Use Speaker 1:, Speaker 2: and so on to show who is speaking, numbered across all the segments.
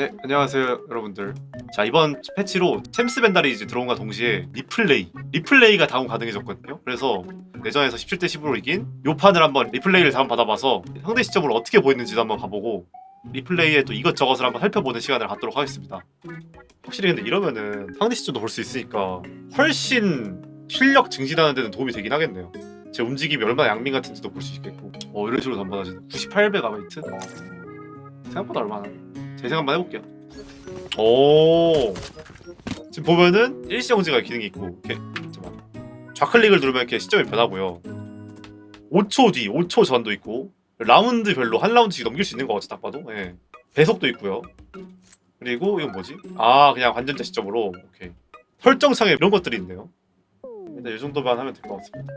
Speaker 1: 네, 안녕하세요 여러분들. 자, 이번 패치로 챔스 벤다리즈 들어온과 동시에 리플레이가 다운 가능해졌거든요. 그래서 내전에서 17대 10으로 이긴 요 판을 한번 리플레이를 다운 받아봐서 상대 시점으로 어떻게 보이는지도 한번 가보고 리플레이에 또 이것저것을 한번 살펴보는 시간을 갖도록 하겠습니다. 확실히 근데 이러면은 상대 시점도 볼 수 있으니까 훨씬 실력 증진하는 데는 도움이 되긴 하겠네요. 제 움직임이 얼마나 양민 같은지도 볼 수 있겠고. 이런 식으로 단번하지. 98메가바이트? 생각보다 얼마나? 제 생각 한번 해볼게요. 오, 지금 보면은 일시정지가 기능이 있고 이렇게 잠깐만. 좌클릭을 누르면 이렇게 시점이 변하고요. 5초 뒤, 5초 전도 있고 라운드별로 한 라운드씩 넘길 수 있는 것 같아 딱 봐도. 예. 배속도 있고요. 그리고 이건 뭐지? 아, 그냥 관전자 시점으로. 오케이. 설정창에 이런 것들이 있네요. 일단 이 정도만 하면 될 것 같습니다.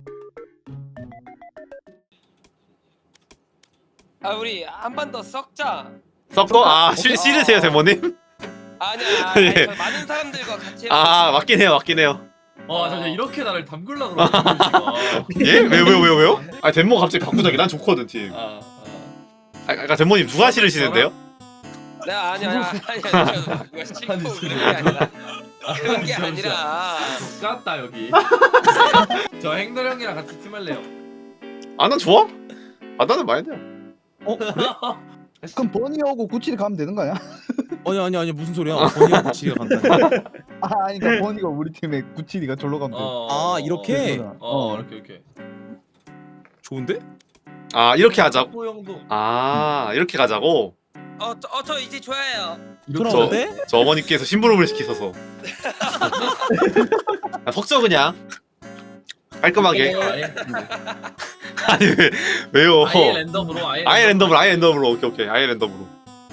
Speaker 2: 아 우리 한 번 더 썩자.
Speaker 1: 섞어? 아, 싫으세요 대모님?
Speaker 2: 아니야.
Speaker 1: 예.
Speaker 2: 아니, 저 많은 사람들과 같이.
Speaker 1: 아, 맞긴 해요.
Speaker 3: 잠깐 이렇게 나를 담글라 그러는
Speaker 1: 예? 왜요? 아, 덴모 갑자기 바꾸자기 난 좋거든 팀. 아까 덴모님 누가 싫으시는데요?
Speaker 2: 네 아니야. 그거 싫고 그런 게 아니라. 그런 게 아니라.
Speaker 3: 깠다 여기. 저 행돌 형이랑 같이 팀할래요.
Speaker 1: 아, 난 좋아? 아, 나는 마인드야.
Speaker 4: 그럼 버니하고 구치를 가면 되는 거 아니야?
Speaker 5: 아니 무슨 소리야? 버니가 구치가 간다.
Speaker 4: 아니 그러니까 버니가 우리 팀에 구치리가 절로 가면 돼.
Speaker 5: 아 이렇게?
Speaker 3: 이렇게.
Speaker 5: 좋은데?
Speaker 1: 아, 이렇게 하자고?
Speaker 3: 호 형도.
Speaker 1: 아, 이렇게 가자고?
Speaker 2: 저 이제 좋아해요.
Speaker 5: 그런데?
Speaker 1: 저 어머니께서 심부름을 시키셔서. 아, 섞죠 그냥. 깔끔하게. 아니, 왜요?
Speaker 3: 아예 랜덤으로
Speaker 1: 아예 랜덤으로. 오케이. 아예 랜덤으로.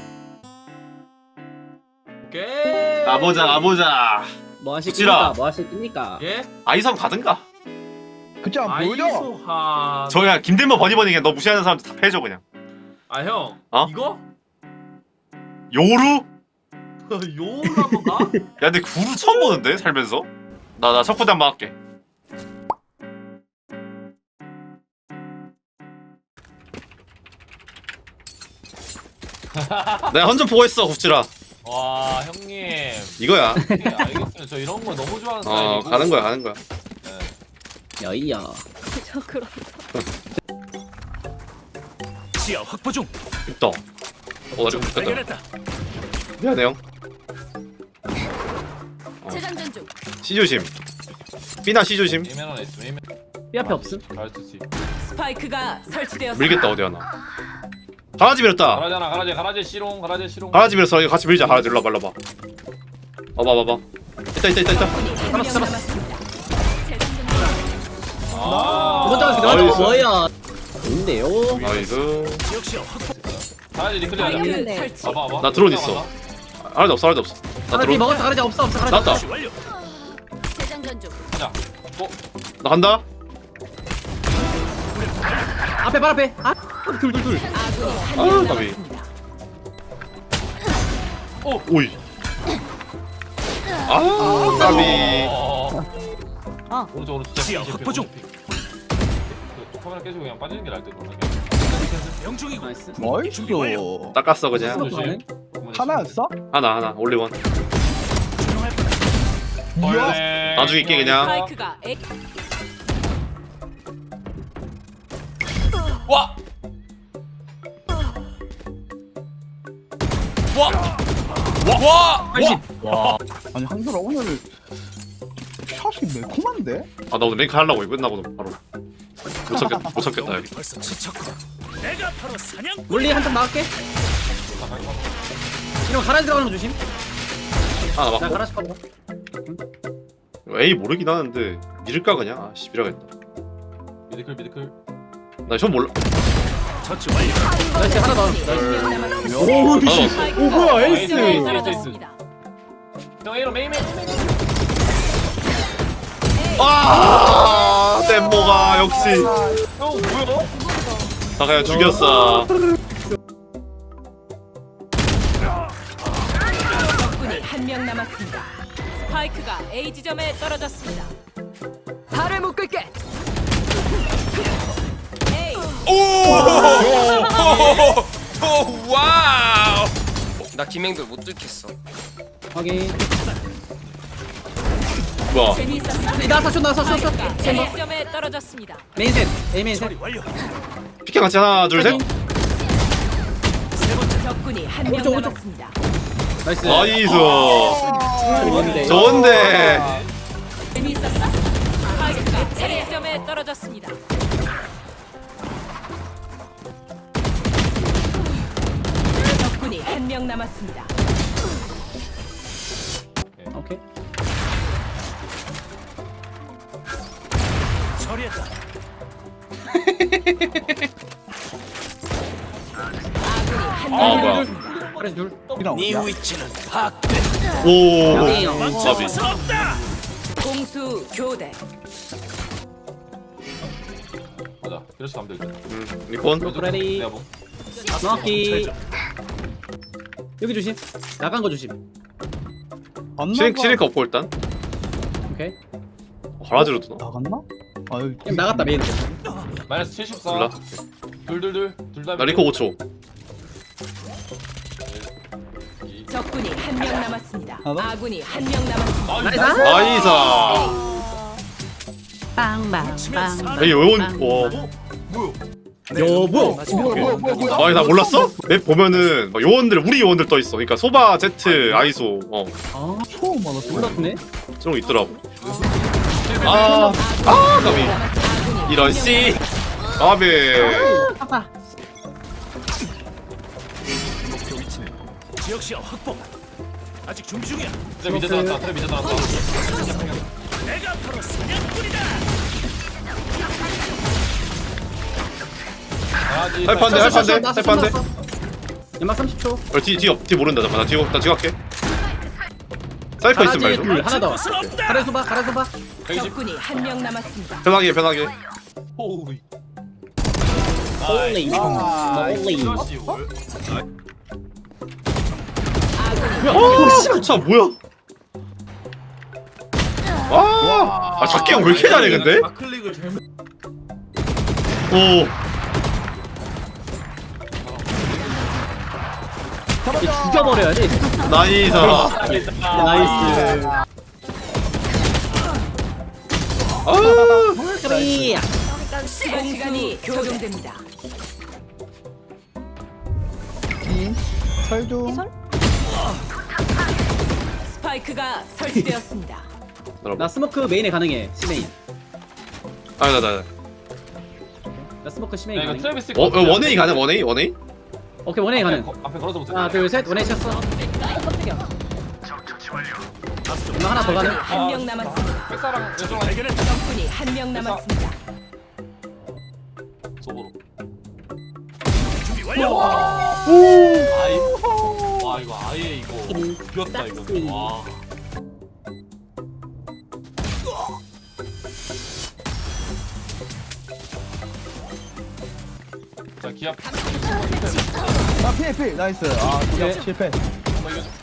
Speaker 3: 오케이.
Speaker 1: 가보자.
Speaker 6: 뭐
Speaker 1: 구찌라.
Speaker 6: 하실 겁니까?
Speaker 3: 예?
Speaker 1: 아이섬 가든가.
Speaker 4: 그치 안 보여줘?
Speaker 3: 아이소하.
Speaker 1: 저 그냥 김대모 버니 그냥 너 무시하는 사람들 다 패줘 그냥.
Speaker 3: 아 형.
Speaker 1: 어?
Speaker 3: 이거?
Speaker 1: 요루?
Speaker 3: 요로 한번 가?
Speaker 1: 야, 근데 구루 처음 보는데 살면서? 나 첫 부대 한번 할게. 내가 헌좀 보고 있어 구찌라.
Speaker 3: 와 형님.
Speaker 1: 이거야.
Speaker 3: 예, 알겠습니다. 저 이런 거 너무 좋아하는 스타일이고.
Speaker 1: 가는 거야.
Speaker 6: 여이야.
Speaker 5: 지하 확보 중.
Speaker 1: 있다. 나 지금 죽겠다. 미안해 형.
Speaker 7: 재장전 중.
Speaker 1: C 조심. B나 C 조심.
Speaker 3: 에이맨 했어. 에이맨.
Speaker 6: 삐 앞에 없음?
Speaker 3: 잘했지.
Speaker 7: 스파이크가 설치되었습니다.
Speaker 1: 밀겠다 어디 하나. 가라지 밀었다.
Speaker 3: 가라지 시롱.
Speaker 1: 가라지 밀었어. 이거 같이 밀자. 가라지 일로 와봐. 봐봐. 있다.
Speaker 7: 한명 남았습니다. 재장전 중.
Speaker 6: 먼저
Speaker 1: 나이스.
Speaker 6: 가서 뭐야? 좋은데요?
Speaker 1: 나이스.
Speaker 3: 가라지 리클리 하자.
Speaker 7: 네. 설치.
Speaker 3: 봐봐.
Speaker 1: 나 드론 있어. 하나도 없어. 나
Speaker 6: 가라지
Speaker 1: 드론.
Speaker 6: 먹었어. 가라지 없어. 가라지
Speaker 1: 나왔다.
Speaker 6: 없어.
Speaker 7: 재장전 중.
Speaker 3: 자.
Speaker 1: 나 간다.
Speaker 6: 앞에 발 앞에. 아, 둘.
Speaker 7: 아군이
Speaker 1: 아,
Speaker 7: 한명
Speaker 1: 까비.
Speaker 7: 남았습니다.
Speaker 1: 오이. 아, 까비.
Speaker 3: 오른쪽.
Speaker 5: 지하 확보 중.
Speaker 3: 카메라 깨지고 그냥 빠지는 게 나을 듯.
Speaker 5: 명중이고.
Speaker 6: 나이스.
Speaker 4: 나이스.
Speaker 1: 닦았어 그냥.
Speaker 6: 조심.
Speaker 4: 하나였어?
Speaker 1: 하나. 올리원.
Speaker 4: 이야.
Speaker 1: 나중에 있게 그냥.
Speaker 7: 스파이크가 A.
Speaker 3: 와.
Speaker 4: 아니 한솔아 오늘 샷이 매콤한데?
Speaker 1: 아, 나 오늘 랭크 하려고 이거 끝나고 바로. 못 참겠다 여기.
Speaker 5: 벌써 지쳤고. 내가 바로 사냥.
Speaker 6: 물리 한점 나갈게. 이런 가라지 들어가는 거 조심.
Speaker 1: 하나
Speaker 6: 나
Speaker 1: 맞고.
Speaker 6: 가라지 파고.
Speaker 1: A 모르긴 하는데 밀을까 그냥. 아, 씨, 밀어야겠다.
Speaker 3: 미드클.
Speaker 1: 나 전 몰라.
Speaker 5: 처치 완료.
Speaker 6: 나이스 하나 더.
Speaker 7: 한명 남았습니다.
Speaker 1: 오,
Speaker 7: 스파이크가
Speaker 6: 뭐야,
Speaker 7: A
Speaker 6: 에이스.
Speaker 7: 지점에 떨어졌습니다.
Speaker 3: 형 A로 메인.
Speaker 1: 아, 댐모가 역시.
Speaker 3: 형 뭐야?
Speaker 1: 나 그냥 죽였어.
Speaker 7: 적군이 한명 남았습니다. 스파이크가 A 지점에 떨어졌습니다. 발을 묶을게. A.
Speaker 1: 와우.
Speaker 2: 나 김행돌 못 뚫겠어.
Speaker 6: 확인.
Speaker 1: 뭐야?
Speaker 7: 재미있었어.
Speaker 6: 나왔어.
Speaker 7: A점에 떨어졌습니다.
Speaker 6: 메인 셋. A 메인 셋.
Speaker 5: 처리 완료.
Speaker 1: 피켓 같이 하나 둘 셋.
Speaker 7: 적군이 한 명
Speaker 6: 오른쪽.
Speaker 7: 남았습니다.
Speaker 6: 나이스.
Speaker 1: 나이스.
Speaker 6: 좋은데.
Speaker 1: 좋은데.
Speaker 7: 재미있었어. 스파이크가 A점에 떨어졌습니다. 적군이 한 명 남았습니다.
Speaker 6: 오케이.
Speaker 5: 처리했다.
Speaker 7: 아군이 한
Speaker 1: 아,
Speaker 7: 명
Speaker 1: 뭐야.
Speaker 7: 남았습니다.
Speaker 6: 그래 둘.
Speaker 4: 이랑
Speaker 5: 네 위치는 파악됐다.
Speaker 1: 오.
Speaker 6: 양이에요.
Speaker 5: 멈출 수 없다.
Speaker 7: 공수 교대.
Speaker 3: 맞아. 그래서 가면 되지.
Speaker 1: 리콘.
Speaker 6: 레디.
Speaker 3: 내가 뭐.
Speaker 6: 정확히. 여기 조심. 나간 거 조심.
Speaker 1: 시링크 없고 일단.
Speaker 6: 오케이.
Speaker 1: 바라지로 두나?
Speaker 4: 나갔나? 아 여기
Speaker 6: 그냥 나갔다 메인.
Speaker 3: 마이너스 74.
Speaker 1: 몰라.
Speaker 3: 둘 다.
Speaker 1: 나 리코 5초.
Speaker 7: 적군이 한 명 남았습니다.
Speaker 4: 하나?
Speaker 7: 아군이 한 명 남았습니다.
Speaker 6: 나이스.
Speaker 1: 나이스.
Speaker 5: 빵빵빵.
Speaker 1: 에이 요원. 와.
Speaker 6: 여보.
Speaker 4: 뭐야
Speaker 1: 아니 나 몰랐어? 맵 보면은 막 요원들 우리 요원들 떠 있어. 그러니까 소바, 제트, 아이소
Speaker 6: 아
Speaker 4: 처음 알았어.
Speaker 6: 몰랐네.
Speaker 1: 저런 거 있더라고. 아 까비.
Speaker 7: 아군이
Speaker 1: 이런 씨. 까비.
Speaker 6: 아빠.
Speaker 5: 목표 위치는 지역 시야 확보. 아직 중중이야.
Speaker 3: 트랩 밑에 나왔다. 트랩 밑에 나왔다.
Speaker 5: 내가 바로 사냥꾼이다.
Speaker 3: 가야지.
Speaker 1: 할판데.
Speaker 6: 연막 30초.
Speaker 1: 뒤 모른다. 잠깐 나 뒤 갈게. 사이퍼 있으면
Speaker 6: 가라지
Speaker 1: 말죠.
Speaker 6: 둘 하나 더.
Speaker 5: 곳은 없다.
Speaker 6: 가래 소바.
Speaker 7: 적군이 한 명 남았습니다.
Speaker 1: 편하게.
Speaker 3: 호우이.
Speaker 6: 홀리. 홀리.
Speaker 3: 이것이 뭘?
Speaker 1: 차 뭐야? 아 작게 형 왜 이렇게 잘해 근데?
Speaker 3: 클릭을 잘못.
Speaker 1: 오.
Speaker 6: 죽여버려야지.
Speaker 1: 나이스.
Speaker 6: 나이스.
Speaker 1: 아.
Speaker 6: 까비.
Speaker 7: 시간이 교정됩니다.
Speaker 4: 설중.
Speaker 7: 스파이크가 설치되었습니다.
Speaker 6: 나 스모크 메인에 가능해. 시메인.
Speaker 1: 아니 나.
Speaker 6: 나 스모크 시메인
Speaker 3: 야 이거
Speaker 6: 가능.
Speaker 3: 트래비스.
Speaker 1: 원웨이 가능 원웨이?
Speaker 6: 오케이 원웨이 가능.
Speaker 3: 앞에 걸어서 못해.
Speaker 6: 하나 둘 셋. 원웨이 쳤어. 연막 하나 더 가능.
Speaker 7: 한 명 남았습니다.
Speaker 3: 백사랑 왼쪽
Speaker 5: 발견했다.
Speaker 7: 적군이 한 명 남았습니다.
Speaker 3: 속으로.
Speaker 5: 준비 완료.
Speaker 3: 아이. 와 이거 아예 이거 비었다 이거. 와. 자 기합.
Speaker 4: 아 필 나이스. 아
Speaker 6: 오케이.
Speaker 4: 실패.
Speaker 3: 한번 이겨줘.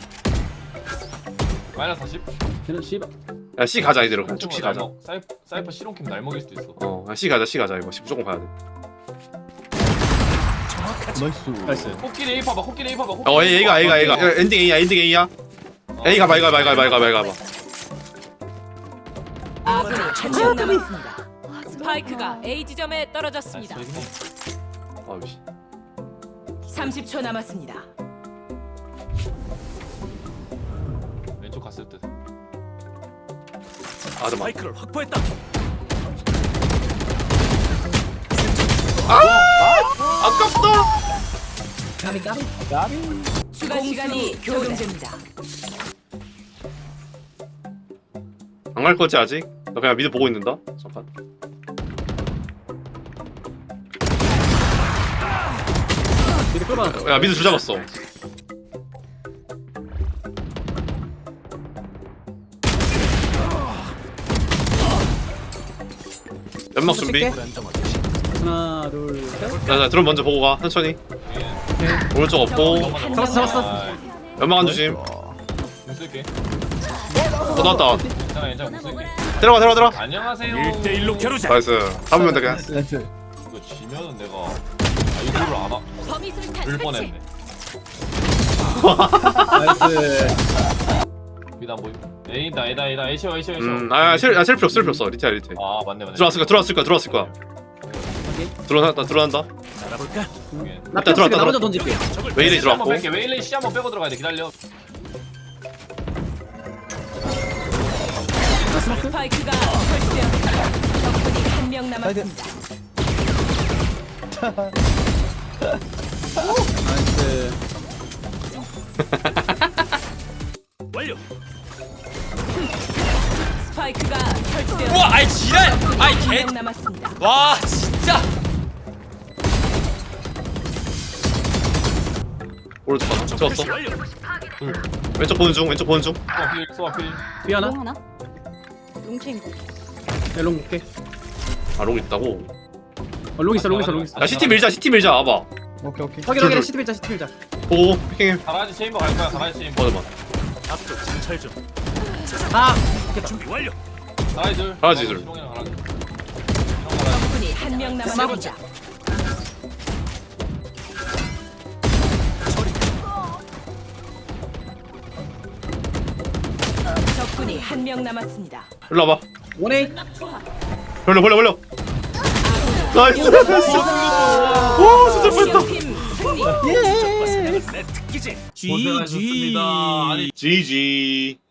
Speaker 3: 마이너스 40.
Speaker 6: 걔는 씨발.
Speaker 1: 야 C 가자 이대로 그냥 쭉 C 가자.
Speaker 3: 사이퍼 실온캠 날 먹일 수도 있어.
Speaker 1: C 가자 이거 C 무조건 가야 돼.
Speaker 4: 나이스.
Speaker 6: 나이스.
Speaker 3: 코끼리 A 봐봐. 코끼리 A 봐봐.
Speaker 1: A가 야, 엔딩 A야. A 가봐.
Speaker 7: 아군이 한 명 남았습니다. 스파이크가 A 지점에 떨어졌습니다.
Speaker 1: 아우씨.
Speaker 7: 30초 남았습니다.
Speaker 3: 왼쪽 갔을 듯.
Speaker 1: 아 잠깐.
Speaker 5: 스파이크를 확보했다.
Speaker 1: 아깝다.
Speaker 6: 까비.
Speaker 7: 추가 시간이 교정됩니다.
Speaker 1: 안 갈 거지 아직? 나 그냥 미드 보고 있는다. 잠깐.
Speaker 6: 미드 끌어봐.
Speaker 1: 야 미드 줄 잡았어. 연막 준비.
Speaker 6: 하나 둘 셋.
Speaker 1: 자 드론 먼저 보고 가 천천히. 오른쪽 없고.
Speaker 6: 잡았어.
Speaker 1: 연막 안 주심.
Speaker 3: 공 쓸게.
Speaker 1: 나왔다.
Speaker 3: 괜찮아 공 쓸게.
Speaker 1: 들어가.
Speaker 3: 안녕하세요.
Speaker 5: 1대1로 겨루자.
Speaker 1: 나이스. 잡으면 돼 그냥.
Speaker 4: 나이스.
Speaker 3: 이거 지면은 내가 이거를 안 와.
Speaker 7: 범위 술탄
Speaker 3: 을
Speaker 7: 설치.
Speaker 3: 뻔했네.
Speaker 6: 나이스.
Speaker 3: 미나 뭐 A다 A쇼
Speaker 1: 셀 필요 없어. 리테야 리테.
Speaker 3: 아 맞네
Speaker 1: 들어왔을 거야. 들어간다.
Speaker 5: 알아볼까?
Speaker 6: 나
Speaker 1: 일단
Speaker 6: 피어스가
Speaker 1: 들어왔다,
Speaker 6: 나 먼저 던질게.
Speaker 1: 웨일이
Speaker 3: C 한번
Speaker 1: 들어왔고.
Speaker 3: 뺄게 웨일레이 C 한번 빼고 들어가야 돼 기다려
Speaker 7: 스파이크가 설치되었습니다. 적군이 한 명 남았습니다.
Speaker 6: 나이스.
Speaker 5: 완료.
Speaker 7: 스파이크가 설치되었습니다.
Speaker 2: 우와 아이 지랄 아이
Speaker 7: 한
Speaker 2: 개
Speaker 7: 명 남았습니다.
Speaker 2: 와 진짜
Speaker 1: 오른쪽 봐. 채웠어.
Speaker 5: 표시 완료.
Speaker 1: 왼쪽 보는 중.
Speaker 3: 소아필
Speaker 6: 삐 하나.
Speaker 8: 하나? 롱체인 거.
Speaker 6: 롱 볼게.
Speaker 1: 롱 있다고.
Speaker 6: 롱 있어.
Speaker 1: 야 CT 밀자. 와봐.
Speaker 4: 오케이 오케이.
Speaker 6: 확인. 시트 밀자.
Speaker 1: 보고 피킹해.
Speaker 3: 가라지 체인버 갈 거야 가라지 체인버
Speaker 1: 맞아.
Speaker 5: 앞쪽 정찰 중.
Speaker 6: 아.
Speaker 5: 준비 완료.
Speaker 3: 가라지 둘
Speaker 7: 적군이 한 명 남았습니다. 적군이 한 명 남았습니다.
Speaker 1: 일로 와봐.
Speaker 6: 원에이.
Speaker 1: 벌려. 나이스. 오 진짜 뻔했다.
Speaker 7: 팀 승리.
Speaker 5: 내 특기지.
Speaker 3: 고생하셨습니다 아니
Speaker 1: GG.